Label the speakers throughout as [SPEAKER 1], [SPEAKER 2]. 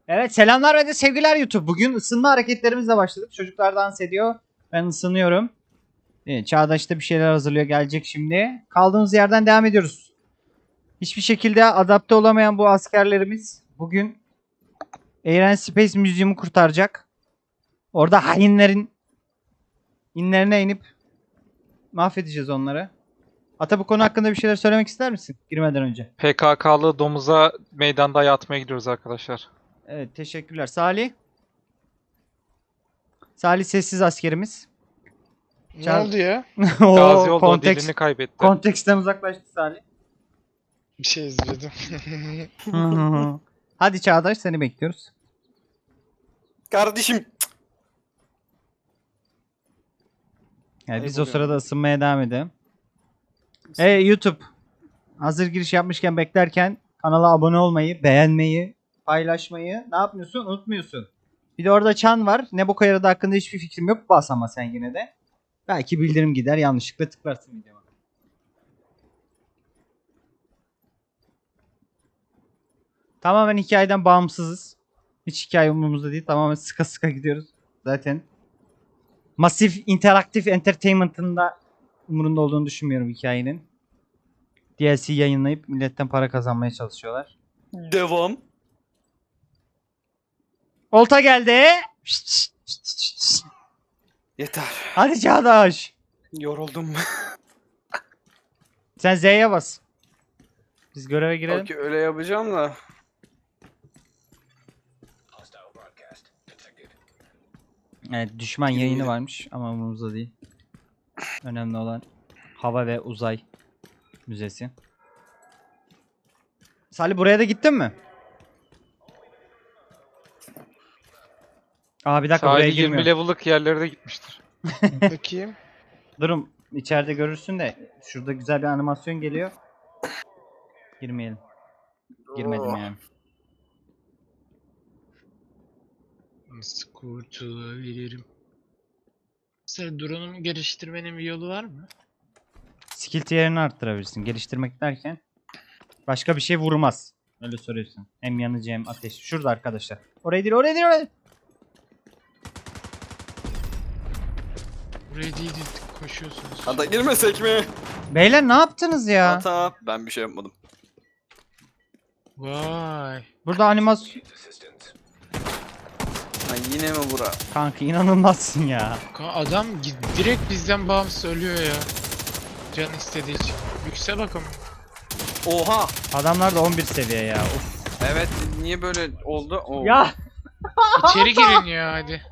[SPEAKER 1] Evet, selamlar ve de sevgiler YouTube. Bugün ısınma hareketlerimizle başladık. Çocuklar dans ediyor. Ben ısınıyorum. Evet, Çağdaş da bir şeyler hazırlıyor. Gelecek şimdi. Kaldığımız yerden devam ediyoruz. Hiçbir şekilde adapte olamayan bu askerlerimiz bugün Air and Space Museum'u kurtaracak. Orada hainlerin inlerine inip mahvedeceğiz onları. Ata, bu konu hakkında bir şeyler söylemek ister misin girmeden önce?
[SPEAKER 2] PKK'lı domuza meydanda yatmaya gidiyoruz arkadaşlar.
[SPEAKER 1] Evet, teşekkürler. Salih. Salih sessiz askerimiz.
[SPEAKER 3] Ne oldu ya?
[SPEAKER 2] Gazi
[SPEAKER 1] O
[SPEAKER 2] oldu, o dilini kaybetti.
[SPEAKER 1] konteksten uzaklaştı Salih.
[SPEAKER 3] Bir şey izledim.
[SPEAKER 1] Hadi Çağdaş, seni bekliyoruz.
[SPEAKER 4] Kardeşim.
[SPEAKER 1] Yani biz o
[SPEAKER 4] Ayıp
[SPEAKER 1] sırada ısınmaya devam edelim. YouTube. Hazır giriş yapmışken beklerken kanala abone olmayı, beğenmeyi, paylaşmayı ne yapmıyorsun? Unutmuyorsun. Bir de orada çan var. Ne bu yarıda hakkında hiçbir fikrim yok. Bas ama sen yine de. Belki bildirim gider, yanlışlıkla tıklarsın videoma. Tamamen hikayeden bağımsızız. Hiç hikaye umurumuzda değil. Tamamen sıka sıka gidiyoruz. Zaten Masif Interactive Entertainment'ın da umurunda olduğunu düşünmüyorum hikayenin. DLC yayınlayıp milletten para kazanmaya çalışıyorlar.
[SPEAKER 4] Devam.
[SPEAKER 1] Olta geldi.
[SPEAKER 4] Yeter.
[SPEAKER 1] Hadi Çağdaş.
[SPEAKER 4] Yoruldum.
[SPEAKER 1] Sen Z'ye bas. Biz göreve girelim.
[SPEAKER 4] Okey, öyle yapacağım da.
[SPEAKER 1] Evet, düşman yayını varmış ama umurumuzda değil. Önemli olan hava ve uzay müzesi. Salih, buraya da gittin mi? Aa, bir dakika, buraya
[SPEAKER 2] Sahili 20
[SPEAKER 1] girmiyor.
[SPEAKER 2] level'lık yerlere de gitmiştir.
[SPEAKER 3] Bakayım.
[SPEAKER 1] Durum içeride görürsün de şurada güzel bir animasyon geliyor. Girmeyelim. Girmedim yani.
[SPEAKER 3] Nasıl kurtulabilirim? Mesela drone'umu geliştirmenin bir yolu var mı?
[SPEAKER 1] Skill tier'ini arttırabilirsin. Geliştirmek derken başka bir şey vurmaz. Öyle soruyorsun. Hem yanıcı hem ateş. Şurada arkadaşlar. Oraya değil, oraya değil, oraya.
[SPEAKER 3] Buraya değil koşuyorsunuz.
[SPEAKER 4] Hadi girmesek mi?
[SPEAKER 1] Beyler, ne yaptınız ya?
[SPEAKER 4] Hata. Ben bir şey yapmadım.
[SPEAKER 3] Vay.
[SPEAKER 1] Burada animasyon...
[SPEAKER 4] Ha, yine mi bura?
[SPEAKER 1] Kanka, inanılmazsın ya.
[SPEAKER 3] Adam direkt bizden bağımsız ölüyor ya. Can istediği için. Yüksel bakalım.
[SPEAKER 4] Oha.
[SPEAKER 1] Adamlar da 11 seviye ya. Of.
[SPEAKER 4] Evet, niye böyle oldu? Oo.
[SPEAKER 1] Ya.
[SPEAKER 3] İçeri girin ya hadi.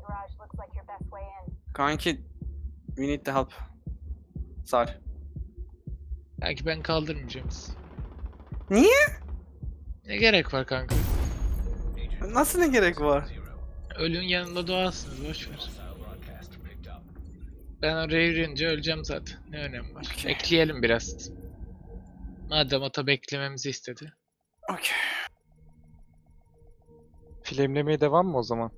[SPEAKER 4] Kanki. We need the help. Sar.
[SPEAKER 3] Belki ben kaldırmayacağım sizi.
[SPEAKER 4] Niye?
[SPEAKER 3] Ne gerek var kanka?
[SPEAKER 4] Nasıl ne gerek var?
[SPEAKER 3] Ölün yanında doğarsınız, boşver. Ben oraya yürüyünce öleceğim zaten. Ne önemi var?
[SPEAKER 4] Okey.
[SPEAKER 3] Bekleyelim biraz. Madem ata beklememizi istedi.
[SPEAKER 4] Okey.
[SPEAKER 2] Filmlemeye devam mı o zaman?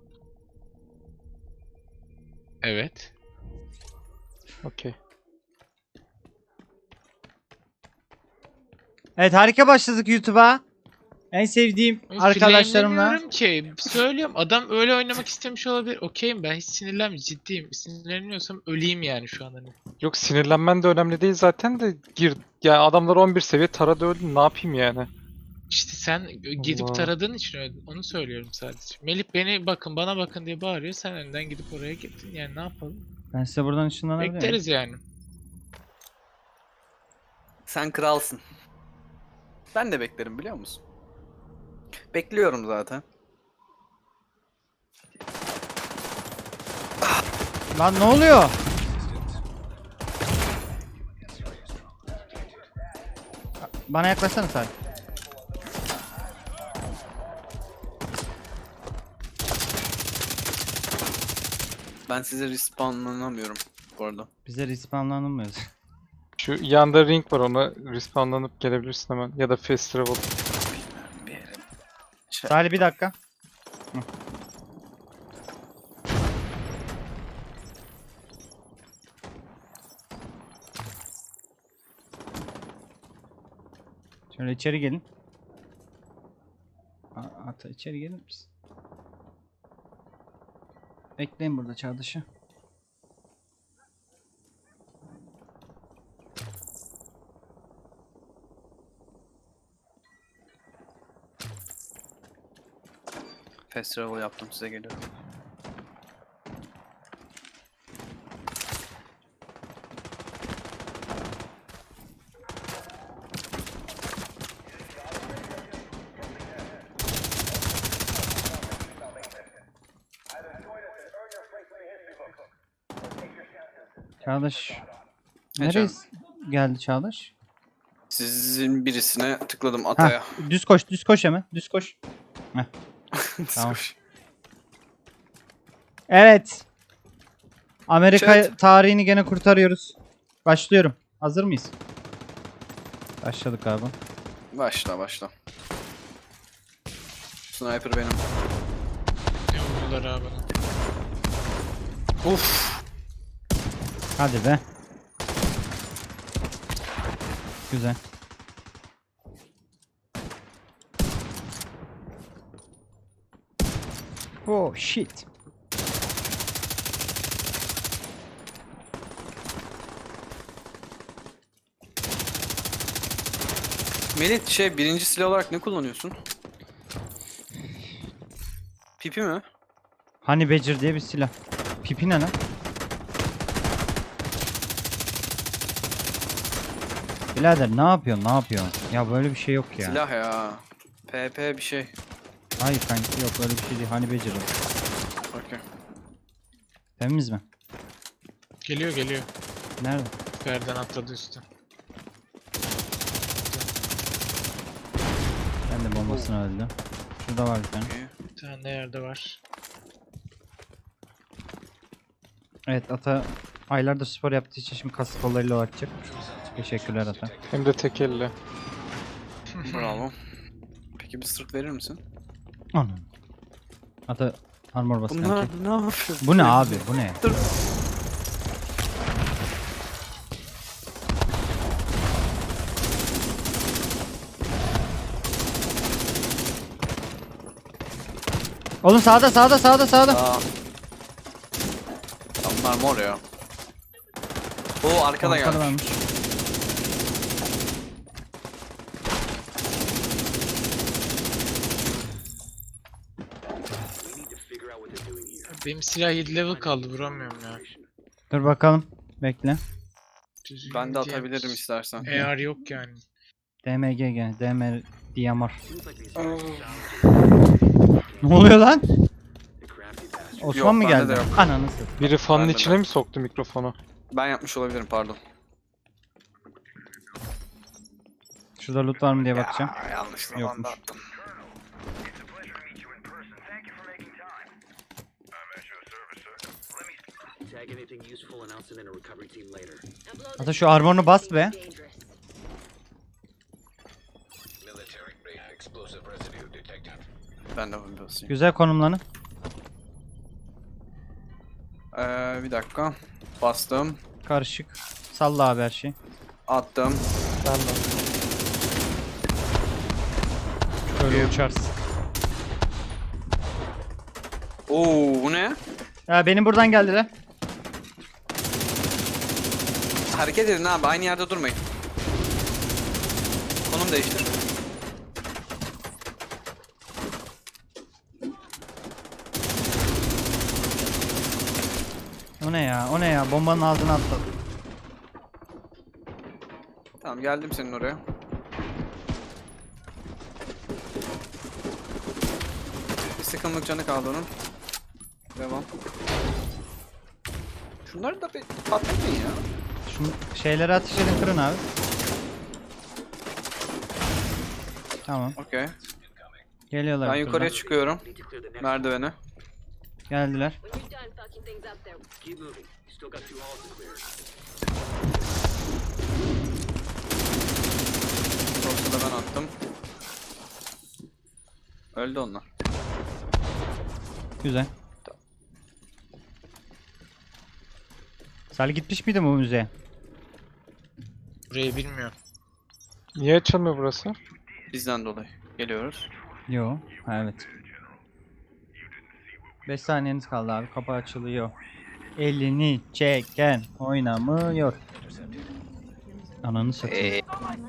[SPEAKER 3] Evet.
[SPEAKER 2] Okey.
[SPEAKER 1] Evet, harika başladık YouTube'a. En sevdiğim arkadaşlarımla.
[SPEAKER 3] Flamelemiyorum ki. Söylüyorum. Adam öyle oynamak istemiş olabilir. Okeyim, ben hiç sinirlenmiyorum. Ciddiyim. Sinirleniyorsam öleyim yani şu an hani.
[SPEAKER 2] Yok, sinirlenmen de önemli değil zaten de gir. Yani adamlar 11 seviye taradı öldü, ne yapayım yani?
[SPEAKER 3] İşte sen gidip
[SPEAKER 2] Allah.
[SPEAKER 3] taradığın için onu söylüyorum sadece. Melih beni bakın, bana bakın diye bağırıyor. Sen önden gidip oraya gittin. Yani ne yapalım?
[SPEAKER 1] Ben size buradan ışınlanabilir miyim?
[SPEAKER 3] Bekleriz yani.
[SPEAKER 4] Sen kralsın. Ben de beklerim, biliyor musun? Bekliyorum zaten.
[SPEAKER 1] Lan ne oluyor? Bana yaklaşsana Salih.
[SPEAKER 4] Ben size respawnlanamıyorum bu arada.
[SPEAKER 1] Bize respawnlanılmıyoruz.
[SPEAKER 2] Şu yanda ring var, ona respawnlanıp gelebilirsin hemen. Ya da fast travel.
[SPEAKER 4] Bir yere.
[SPEAKER 1] Salih, bir dakika. Hı. Şöyle içeri gelin. At Ata içeri gelir misin? Bekleyin burada Çağdaş'ı.
[SPEAKER 4] Fast travel yaptım, size geliyorum.
[SPEAKER 1] Çağdaş.
[SPEAKER 4] Ne
[SPEAKER 1] Nereye
[SPEAKER 4] canım?
[SPEAKER 1] geldi Çağdaş?
[SPEAKER 4] Sizin birisine tıkladım ataya.
[SPEAKER 1] Ha, düz koş, düz koş hemen. Düz koş. Tamam. Evet. Amerika
[SPEAKER 4] Chat.
[SPEAKER 1] tarihini gene kurtarıyoruz. Başlıyorum. Hazır mıyız? Başladık abi.
[SPEAKER 4] Başla. Sniper benim.
[SPEAKER 3] Ne vurdular abi bana.
[SPEAKER 4] Uf.
[SPEAKER 1] Hadi be. Güzel. Oh shit.
[SPEAKER 4] Melih birinci silah olarak ne kullanıyorsun? Pipi mi?
[SPEAKER 1] Honey Badger diye bir silah. Pipi ne lan? Birader ne yapıyorsun? Ne yapıyorsun? Ya böyle bir şey yok ya.
[SPEAKER 4] Silah ya. PP bir şey.
[SPEAKER 1] Hayır kanki yok öyle bir şey değil. Honey Badger o.
[SPEAKER 4] Okey.
[SPEAKER 1] Temiz mi?
[SPEAKER 3] Geliyor.
[SPEAKER 1] Nerede?
[SPEAKER 3] Yerden atladı üstü.
[SPEAKER 1] Ben de bombasını öldüm. Şurada var bir tane.
[SPEAKER 4] Okey.
[SPEAKER 3] Bir tane de yerde var.
[SPEAKER 1] Evet Ata aylardır spor yaptığı için şimdi kas kollarıyla atacak. Teşekkürler Ata.
[SPEAKER 2] Hem de tek elle.
[SPEAKER 4] Bravo. Peki bir sırt verir misin?
[SPEAKER 1] Anam. Ata armor bas
[SPEAKER 4] Bunlar
[SPEAKER 1] kanki.
[SPEAKER 4] ne yapıyor?
[SPEAKER 1] Bu ne abi? Bu ne?
[SPEAKER 4] Dur.
[SPEAKER 1] Oğlum sağda.
[SPEAKER 4] Aa. Bunlar mor ya. Oo arkada
[SPEAKER 1] Arkada
[SPEAKER 4] gelmiş.
[SPEAKER 1] varmış.
[SPEAKER 3] Benim silah 7 level kaldı, vuramıyorum ya.
[SPEAKER 1] Dur bakalım. Bekle.
[SPEAKER 3] Düzgün
[SPEAKER 4] Ben de
[SPEAKER 3] diye-
[SPEAKER 4] atabilirim istersen.
[SPEAKER 3] AR yok yani.
[SPEAKER 1] DMG gene. DMR DMR. Ne oluyor lan? Osman
[SPEAKER 4] Yok,
[SPEAKER 1] mı
[SPEAKER 4] bende
[SPEAKER 1] geldi?
[SPEAKER 4] de yok.
[SPEAKER 1] Ananı satayım.
[SPEAKER 2] Biri fanın
[SPEAKER 4] Ben de
[SPEAKER 2] içine
[SPEAKER 4] ben.
[SPEAKER 2] mi soktu mikrofonu?
[SPEAKER 4] Ben yapmış olabilirim, pardon.
[SPEAKER 1] Şurada loot var mı diye bakacağım.
[SPEAKER 4] Yanlış
[SPEAKER 1] zamanda Yokmuş.
[SPEAKER 4] attım.
[SPEAKER 1] Ata şu armorunu bas be.
[SPEAKER 4] Ben de bunu basayım.
[SPEAKER 1] Güzel konumlanın.
[SPEAKER 4] Bir dakika. Bastım.
[SPEAKER 1] Karışık. Salla abi her şeyi.
[SPEAKER 4] Attım.
[SPEAKER 2] Ben de.
[SPEAKER 1] Şöyle uçarsın.
[SPEAKER 4] Oo bu ne?
[SPEAKER 1] Ya benim buradan geldiler.
[SPEAKER 4] Hareket edin abi, aynı yerde durmayın. Konum değiştir.
[SPEAKER 1] O ne ya? O ne ya? Bombanın ağzına atladı.
[SPEAKER 4] Tamam, geldim senin oraya. Bir sıkımlık canı kaldı onun. Devam. Şunları da bir patlatmayın ya.
[SPEAKER 1] Şu şeyleri ateş edin, kırın abi. Tamam.
[SPEAKER 4] Okey.
[SPEAKER 1] Geliyorlar.
[SPEAKER 4] Ben
[SPEAKER 1] bu
[SPEAKER 4] yukarıya
[SPEAKER 1] turdan.
[SPEAKER 4] çıkıyorum. Merdivene.
[SPEAKER 1] Geldiler.
[SPEAKER 5] When you're done fucking things up there, keep moving. Still got 2 halls to clear.
[SPEAKER 4] Yoksa da ben attım. Öldü onlar.
[SPEAKER 1] Güzel. Salih gitmiş miydi bu müzeye?
[SPEAKER 3] Burayı bilmiyorum.
[SPEAKER 2] Niye açılmıyor burası?
[SPEAKER 4] Bizden dolayı. Geliyoruz.
[SPEAKER 1] Yo. Ha, evet. 5 saniyeniz kaldı abi. Kapı açılıyor. Elini çeken oynamıyor. Ananı satayım.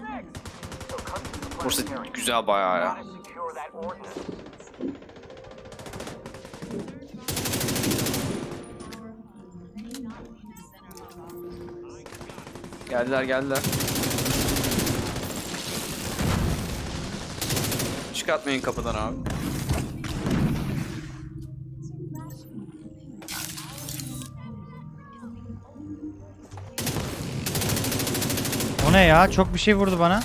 [SPEAKER 4] Burası güzel bayağı ya. Geldiler. Çıkartmayın kapıdan abi.
[SPEAKER 1] O ne ya? Çok bir şey vurdu bana.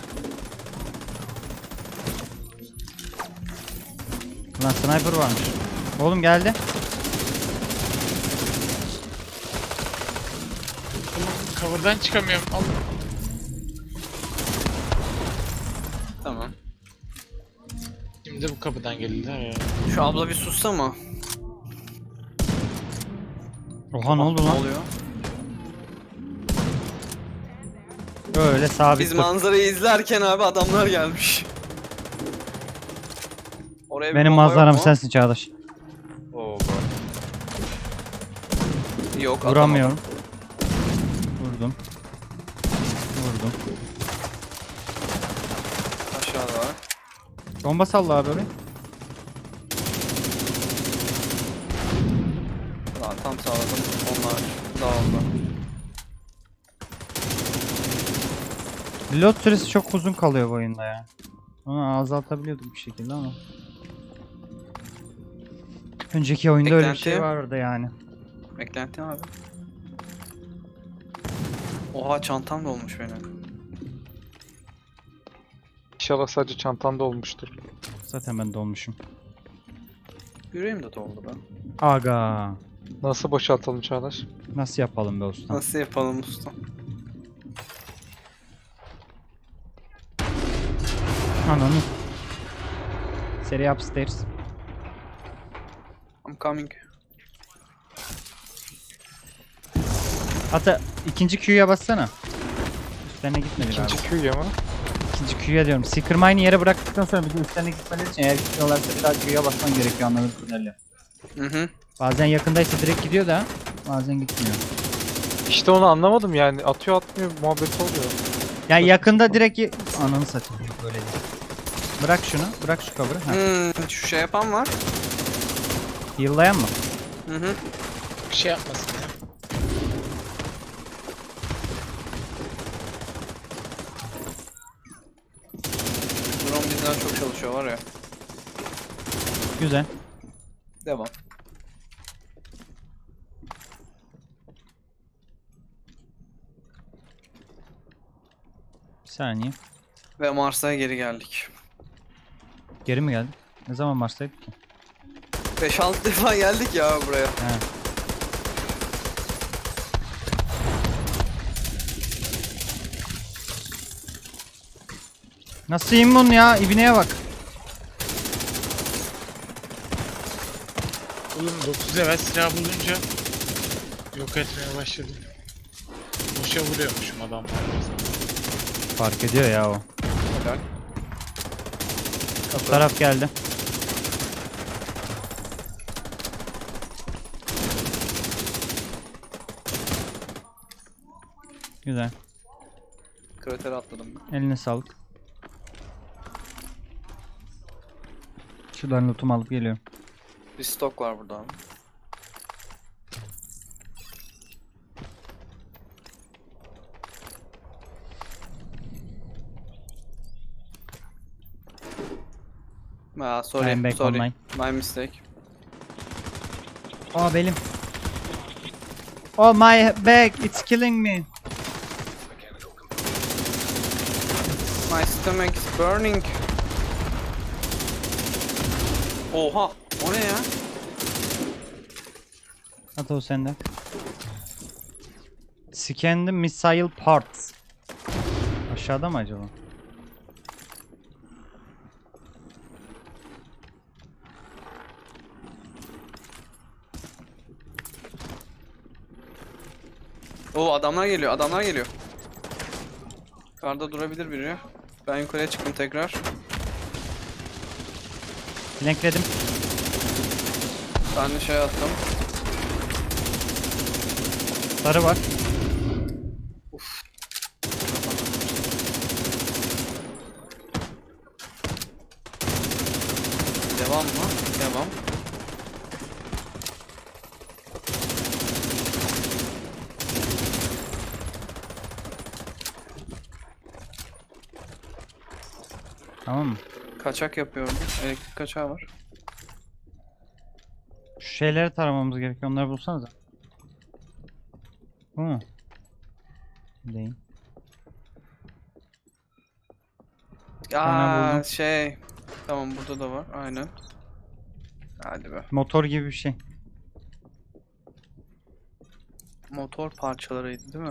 [SPEAKER 1] Lan sniper varmış. Oğlum geldi.
[SPEAKER 3] Cover'dan çıkamıyorum. Al.
[SPEAKER 4] Tamam.
[SPEAKER 3] Şimdi bu kapıdan geldiler ya.
[SPEAKER 4] Şu abla bir sussa mı?
[SPEAKER 1] Oha ne oldu
[SPEAKER 4] Ne
[SPEAKER 1] lan?
[SPEAKER 4] oluyor?
[SPEAKER 1] Böyle sabit
[SPEAKER 4] Biz
[SPEAKER 1] dur.
[SPEAKER 4] manzarayı izlerken abi adamlar gelmiş. Oraya bir
[SPEAKER 1] Benim
[SPEAKER 4] bomba yok
[SPEAKER 1] manzaram
[SPEAKER 4] mu?
[SPEAKER 1] sensin Çağdaş.
[SPEAKER 4] Oo, bro. Yok
[SPEAKER 1] Vuramıyorum. Vurdum.
[SPEAKER 4] Aşağıda var.
[SPEAKER 1] Bomba salla abi oraya.
[SPEAKER 4] Lan tam sağladım. Onlar dağıldı.
[SPEAKER 1] Reload süresi çok uzun kalıyor bu oyunda ya. Onu azaltabiliyordum bir şekilde ama. Önceki oyunda öyle bir şey
[SPEAKER 4] Eklenti.
[SPEAKER 1] vardı yani.
[SPEAKER 4] Beklenti abi. Oha çantam dolmuş benim.
[SPEAKER 2] İnşallah sadece çantanda olmuştur.
[SPEAKER 1] Zaten ben dolmuşum.
[SPEAKER 4] Yüreğim de doldu be.
[SPEAKER 1] Aga.
[SPEAKER 2] Nasıl boşaltalım Çağdaş?
[SPEAKER 1] Nasıl yapalım be usta?
[SPEAKER 4] Nasıl yapalım usta?
[SPEAKER 1] Ananı. Seri upstairs.
[SPEAKER 4] I'm coming.
[SPEAKER 1] Hatta ikinci Q'ya bassana. Üstlerine gitmedi galiba.
[SPEAKER 2] İkinci Q'ya mı?
[SPEAKER 1] İkinci Q'ya diyorum. Seeker Mine'i yere bıraktıktan sonra bir de üstlerine gitmeleri için eğer gitmiyorlarsa bir daha Q'ya basman gerekiyor anladığım kadarıyla.
[SPEAKER 4] Hı.
[SPEAKER 1] Bazen yakındaysa direkt gidiyor da bazen gitmiyor.
[SPEAKER 2] İşte onu anlamadım yani. Atıyor atmıyor muhabbet oluyor.
[SPEAKER 1] Yani yakında direkt ananı satayım böyle değil. Bırak şunu, bırak şu cover'ı. Ha.
[SPEAKER 4] Şu şey yapan var.
[SPEAKER 1] Heal'layan mı?
[SPEAKER 4] Hı.
[SPEAKER 3] Bir şey yapmasın ya.
[SPEAKER 4] Drone bizden çok çalışıyor var ya.
[SPEAKER 1] Güzel.
[SPEAKER 4] Devam.
[SPEAKER 1] Bir saniye.
[SPEAKER 4] Ve Mars'a geri geldik.
[SPEAKER 1] Geri mi geldik? Ne zaman Mars'taydık ki?
[SPEAKER 4] 5-6 defa geldik ya buraya.
[SPEAKER 1] He. Nasıl immun ya? İbneye bak.
[SPEAKER 3] Oğlum 9 level silah bulunca yok etmeye başladım. Boşa vuruyormuşum adamlar.
[SPEAKER 1] Fark ediyor ya o.
[SPEAKER 4] Helal.
[SPEAKER 1] Bu taraf geldi. Güzel.
[SPEAKER 4] Kratere atladım ben.
[SPEAKER 1] Eline sağlık. Şuradan lootumu alıp geliyorum.
[SPEAKER 4] Bir stok var burada abi. Sorry,
[SPEAKER 1] I'm back
[SPEAKER 4] sorry.
[SPEAKER 1] online.
[SPEAKER 4] My mistake.
[SPEAKER 1] Oh belim. Oh my back, it's killing me.
[SPEAKER 4] My stomach is burning. Oha, o ne ya?
[SPEAKER 1] At o sende. Scan the missile parts. Aşağıda mı acaba?
[SPEAKER 4] Oo adamlar geliyor, adamlar geliyor. Karda durabilir biri. Ben yukarıya çıktım tekrar.
[SPEAKER 1] Flankledim.
[SPEAKER 4] Ben de şey attım.
[SPEAKER 1] Sarı var.
[SPEAKER 4] Devam mı? Devam.
[SPEAKER 1] Tamam mı?
[SPEAKER 4] Kaçak yapıyorum. Elektrik kaçağı var.
[SPEAKER 1] Şu şeyleri taramamız gerekiyor. Onları bulsanıza. Bu mu? Değil.
[SPEAKER 4] Aa
[SPEAKER 1] buldum.
[SPEAKER 4] şey. Tamam burada da var. Aynen. Hadi be.
[SPEAKER 1] Motor gibi bir şey.
[SPEAKER 4] Motor parçalarıydı değil mi?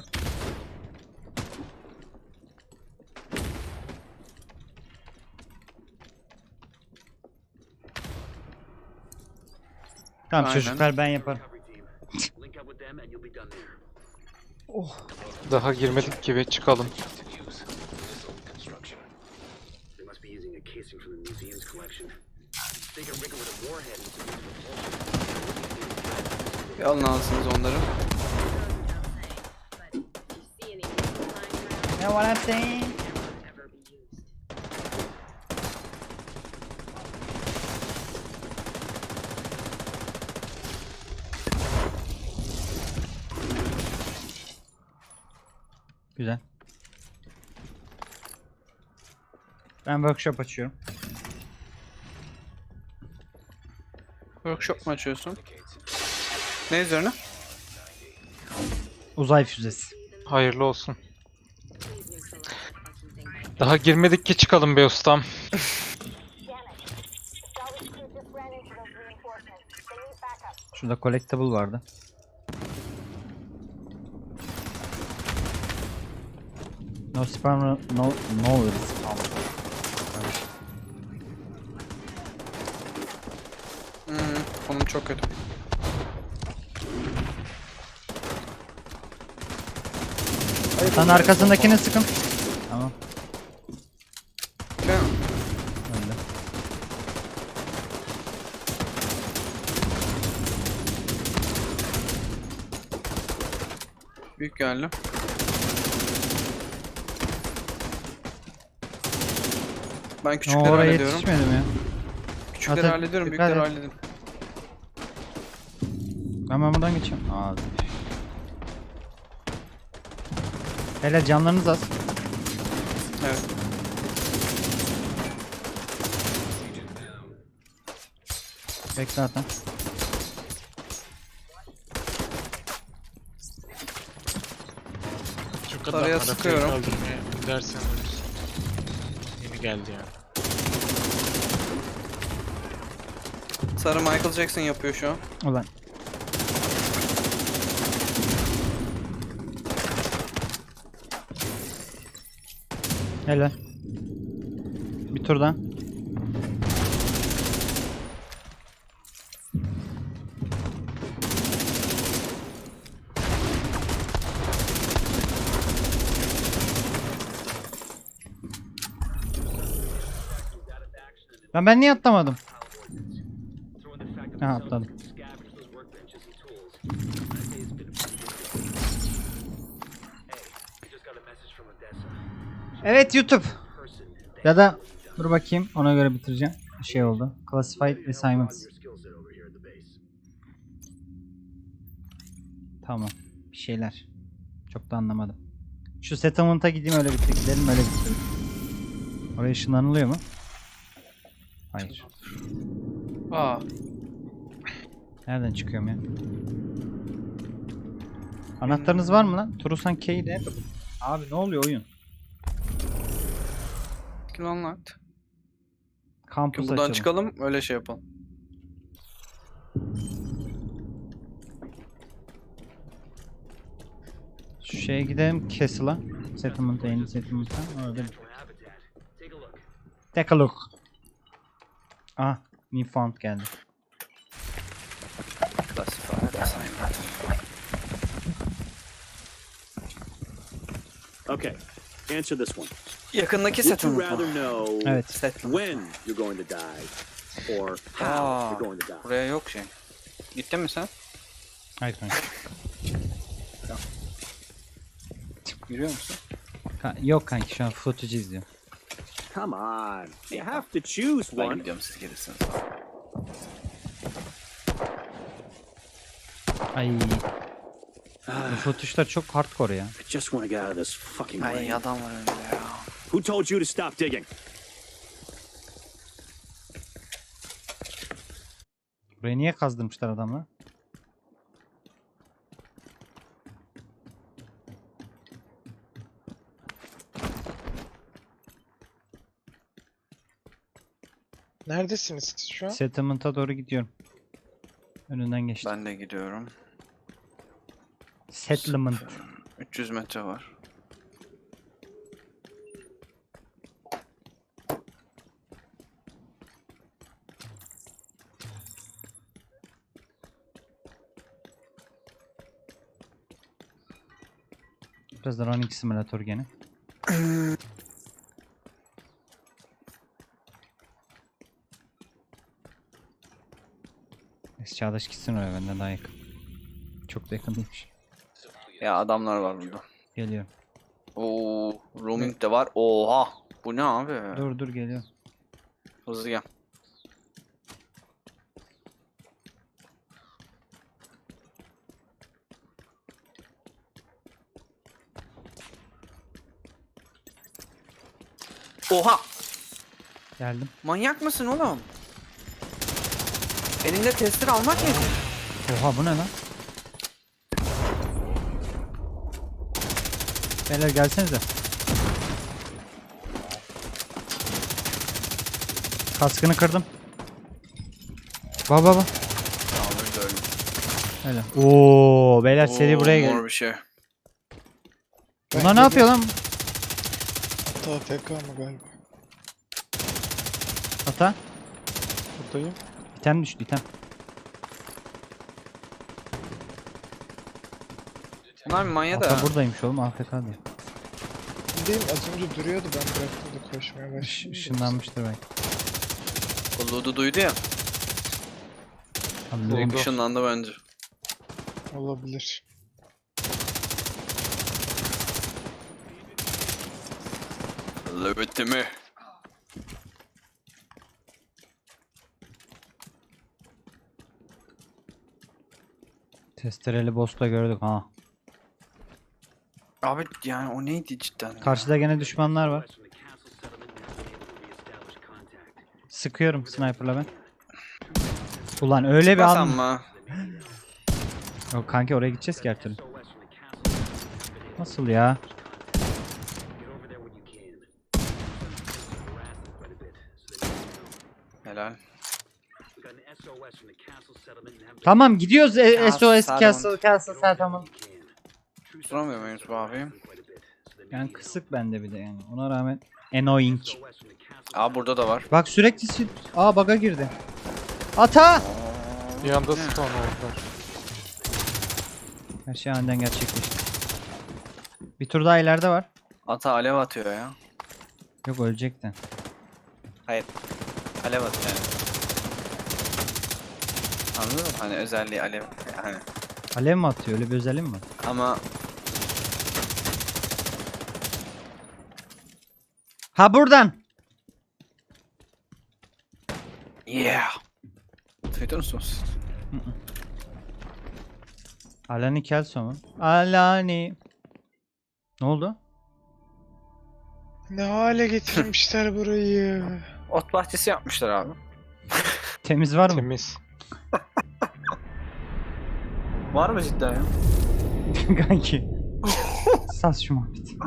[SPEAKER 1] Tamam
[SPEAKER 4] Aynen.
[SPEAKER 1] çocuklar ben yaparım.
[SPEAKER 5] Recovery team. Link up with them and you'll be done there.
[SPEAKER 2] Daha girmedik gibi çıkalım.
[SPEAKER 5] They must be using a casing from the museum's collection. They can rig it with a warhead and some propulsion.
[SPEAKER 4] Bir alın alsınız onları.
[SPEAKER 1] Ne what I'm saying? Güzel. Ben workshop açıyorum.
[SPEAKER 4] Workshop mu açıyorsun? Ne üzerine?
[SPEAKER 1] Uzay füzesi.
[SPEAKER 2] Hayırlı olsun. Daha girmedik ki çıkalım be ustam.
[SPEAKER 1] Şurada collectible vardı. No spam, no spam.
[SPEAKER 4] Konum çok kötü.
[SPEAKER 1] Sen arkasındakini sıkın. Tamam.
[SPEAKER 4] Değil mi?
[SPEAKER 1] Öyle.
[SPEAKER 4] Büyük geldi. Ben küçükleri
[SPEAKER 1] Oraya
[SPEAKER 4] hallediyorum.
[SPEAKER 1] yetişmedim ya.
[SPEAKER 4] Küçükleri
[SPEAKER 1] Zaten
[SPEAKER 4] hallediyorum,
[SPEAKER 1] dikkat
[SPEAKER 4] büyükleri
[SPEAKER 1] et.
[SPEAKER 4] halledin.
[SPEAKER 1] Ben buradan geçeyim. Aa. Hele canlarınız az.
[SPEAKER 4] Evet.
[SPEAKER 1] Bekle zaten.
[SPEAKER 3] Çok adam
[SPEAKER 4] Sarıya
[SPEAKER 3] arabaya
[SPEAKER 4] sıkıyorum.
[SPEAKER 3] kaldırmaya gidersen ölürsün. Yeni geldi yani.
[SPEAKER 4] Sarı Michael Jackson yapıyor şu an.
[SPEAKER 1] Ulan. Hele. Bir tur daha. Ben niye atlamadım? Ha atladım.
[SPEAKER 5] Scavenge those workbenches and tools. I'd say it's been a pretty good Hey, we just got a message from Odessa.
[SPEAKER 1] Evet YouTube.
[SPEAKER 5] Person
[SPEAKER 1] Ya da dur bakayım ona göre bitireceğim. Bir şey oldu. Classified assignments.
[SPEAKER 5] your skill set over here at the base.
[SPEAKER 1] Tamam. Bir şeyler. Çok da anlamadım. Şu settlement'a gideyim öyle bitir. Gidelim öyle bitirelim. Oraya ışınlanılıyor mu? Hayır.
[SPEAKER 4] Aa,
[SPEAKER 1] Nereden çıkıyorum ya? Anahtarınız var mı lan? Turusan K'de. Abi ne oluyor oyun?
[SPEAKER 4] kill unlocked.
[SPEAKER 1] Kampus
[SPEAKER 4] Buradan
[SPEAKER 1] açalım.
[SPEAKER 4] çıkalım, öyle şey yapalım.
[SPEAKER 1] Şu şeye gidelim Castle'a. Settlement'a, yeni settlement'a. Orada.
[SPEAKER 5] Natural habitat. Take a look.
[SPEAKER 1] Take a look. Ah, new found geldi.
[SPEAKER 4] Classified assignment.
[SPEAKER 6] Okay, answer this one.
[SPEAKER 4] Yakındaki
[SPEAKER 6] Would you
[SPEAKER 4] settlement
[SPEAKER 6] rather
[SPEAKER 4] mı?
[SPEAKER 6] know
[SPEAKER 1] Evet.
[SPEAKER 4] Settlement.
[SPEAKER 6] when you're going to die
[SPEAKER 5] or how
[SPEAKER 4] Aa,
[SPEAKER 5] you're going to die.
[SPEAKER 4] buraya yok şey. Gittin mi sen?
[SPEAKER 1] Hayır kanka.
[SPEAKER 4] Yürüyor musun?
[SPEAKER 1] Yok kanki, şu an footage izliyorum.
[SPEAKER 5] Come on, you have to choose
[SPEAKER 4] Ben
[SPEAKER 5] one.
[SPEAKER 4] gidiyorum, siz gelirsiniz.
[SPEAKER 1] Ay. Bu footage'lar çok hardcore ya.
[SPEAKER 5] I just want to get out of this fucking
[SPEAKER 4] Ay
[SPEAKER 5] rain.
[SPEAKER 4] adam var önümde ya.
[SPEAKER 5] Who told you to stop digging?
[SPEAKER 1] Burayı niye kazdırmışlar adamla?
[SPEAKER 3] Neredesiniz siz şu an?
[SPEAKER 1] Settlement'a doğru gidiyorum. Önünden geçtim.
[SPEAKER 4] Ben de gidiyorum.
[SPEAKER 1] Settlement.
[SPEAKER 4] 300 metre var.
[SPEAKER 1] Biraz da running simulator gene. Çağdaş gitsin oraya, benden daha yakın. Çok da yakın değilmiş.
[SPEAKER 4] Ya adamlar var burada.
[SPEAKER 1] Geliyorum.
[SPEAKER 4] Oo, roaming de var. Oha. Bu ne abi?
[SPEAKER 1] Dur geliyorum.
[SPEAKER 4] Hızlı gel. Oha!
[SPEAKER 1] Geldim.
[SPEAKER 4] Manyak mısın oğlum? Elinde tester almak nedir?
[SPEAKER 1] Oha, bu ne lan? Beyler gelsenize. Kaskını kırdım. Baba.
[SPEAKER 4] Tamam, öldü öldü.
[SPEAKER 1] Öyle. Oo, beyler seri
[SPEAKER 4] Oo,
[SPEAKER 1] buraya gel.
[SPEAKER 4] mor bir şey.
[SPEAKER 1] Bunlar ne yapıyor lan?
[SPEAKER 3] Hatta TK mı galiba?
[SPEAKER 1] Ata.
[SPEAKER 2] Buradayım.
[SPEAKER 1] İtem düştü, item.
[SPEAKER 4] Bunlar manya da.
[SPEAKER 1] Ata buradaymış oğlum, AFK diyor.
[SPEAKER 3] Değil mi? Az önce duruyordu, ben bıraktım da koşmaya başladım.
[SPEAKER 1] Işınlanmıştır belki.
[SPEAKER 4] Kuluğu duydu ya.
[SPEAKER 1] Anladım.
[SPEAKER 2] Oldu.
[SPEAKER 4] Işınlandı bence.
[SPEAKER 3] Olabilir.
[SPEAKER 4] Löbetti mi?
[SPEAKER 1] Testereli boss'ta gördük ha.
[SPEAKER 4] Abi yani o neydi cidden? ya?
[SPEAKER 1] Karşıda gene düşmanlar var.
[SPEAKER 5] From the castle settlement, now being able to reestablish contact.
[SPEAKER 1] Sıkıyorum sniper'la ben. Ulan öyle bir
[SPEAKER 4] Çıkmasam
[SPEAKER 1] an.
[SPEAKER 4] mı?
[SPEAKER 1] Yok kanki, oraya gideceğiz ki her türlü.
[SPEAKER 5] SOS from the castle settlement has been able
[SPEAKER 1] Nasıl ya?
[SPEAKER 5] to get over there when you can. Harass them quite a bit, so they need to know.
[SPEAKER 4] Helal.
[SPEAKER 5] We got an SOS from the castle settlement and have been
[SPEAKER 1] Tamam gidiyoruz. SOS
[SPEAKER 4] Settlement.
[SPEAKER 1] Castle Settlement.
[SPEAKER 5] you can. True
[SPEAKER 4] Duramıyor muyuz bu abi?
[SPEAKER 5] quite a bit, so they
[SPEAKER 1] Yani
[SPEAKER 5] need to
[SPEAKER 1] kısık bende bir de yani. Ona rağmen annoying.
[SPEAKER 5] know. SOS from the castle
[SPEAKER 4] Aa burada da var.
[SPEAKER 1] Bak sürekli bug'a girdi. Ata!
[SPEAKER 2] Bir anda spawn oldular.
[SPEAKER 1] Her şey aniden gerçekleşti. Bir tur daha ileride var.
[SPEAKER 4] Ata alev atıyor ya.
[SPEAKER 1] Yok, ölecekti.
[SPEAKER 4] Hayır. Alev atıyor yani. Anladın mı? Hani özelliği alev. Yani.
[SPEAKER 1] Alev mi atıyor? Öyle bir özelliği mi var?
[SPEAKER 4] Ama
[SPEAKER 1] Ha, buradan.
[SPEAKER 4] yeah. Duydun musunuz?
[SPEAKER 1] Alani Kelso mu? Alani. Ne oldu?
[SPEAKER 3] Ne hale getirmişler burayı.
[SPEAKER 4] Ot bahçesi yapmışlar abi.
[SPEAKER 1] Temiz var mı?
[SPEAKER 2] Temiz.
[SPEAKER 4] Var mı cidden ya?
[SPEAKER 1] Kanki. Sas şu muhabbeti.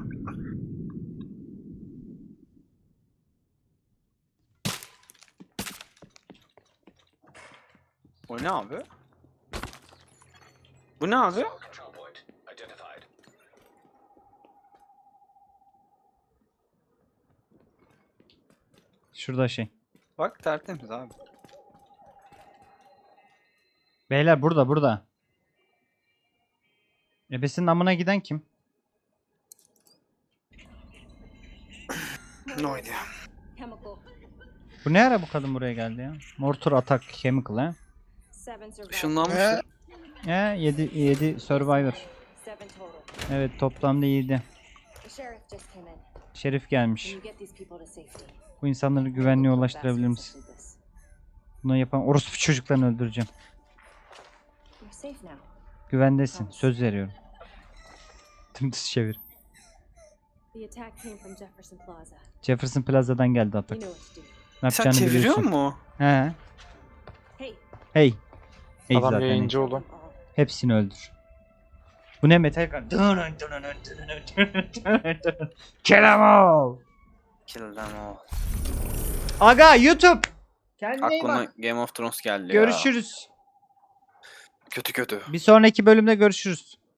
[SPEAKER 4] O ne abi? Bu ne abi?
[SPEAKER 1] Şurada şey.
[SPEAKER 4] Bak tertemiz abi.
[SPEAKER 1] Beyler burada. Ebesinin amına giden kim?
[SPEAKER 4] Ne oydu ya?
[SPEAKER 6] Chemical.
[SPEAKER 1] Bu ne ara bu kadın buraya geldi ya? Mortar Attack Chemical ha?
[SPEAKER 4] Işınlanmış.
[SPEAKER 1] He 7 Survivor. Evet toplamda 7. Şerif gelmiş. Bu insanları güvenliğe ulaştırabilir misin? Bunu yapan orospu çocuklarını öldüreceğim. Güvendesin. Söz veriyorum. Dümdüz çevir. Jefferson Plaza'dan geldi atak. Ne
[SPEAKER 4] Sen
[SPEAKER 1] yapacağını
[SPEAKER 4] çeviriyor
[SPEAKER 1] biliyorsun.
[SPEAKER 4] mu?
[SPEAKER 1] He. Hey. Hey
[SPEAKER 2] Adam
[SPEAKER 1] zaten.
[SPEAKER 2] yayıncı oğlum.
[SPEAKER 1] Hepsini öldür. Bu ne metal kan? Kill 'em all.
[SPEAKER 4] Kill them all.
[SPEAKER 1] Aga YouTube. Kendine iyi
[SPEAKER 4] Aklıma
[SPEAKER 1] bak.
[SPEAKER 4] Game of Thrones geldi ya.
[SPEAKER 1] Görüşürüz.
[SPEAKER 4] Kötü kötü.
[SPEAKER 1] Bir sonraki bölümde görüşürüz.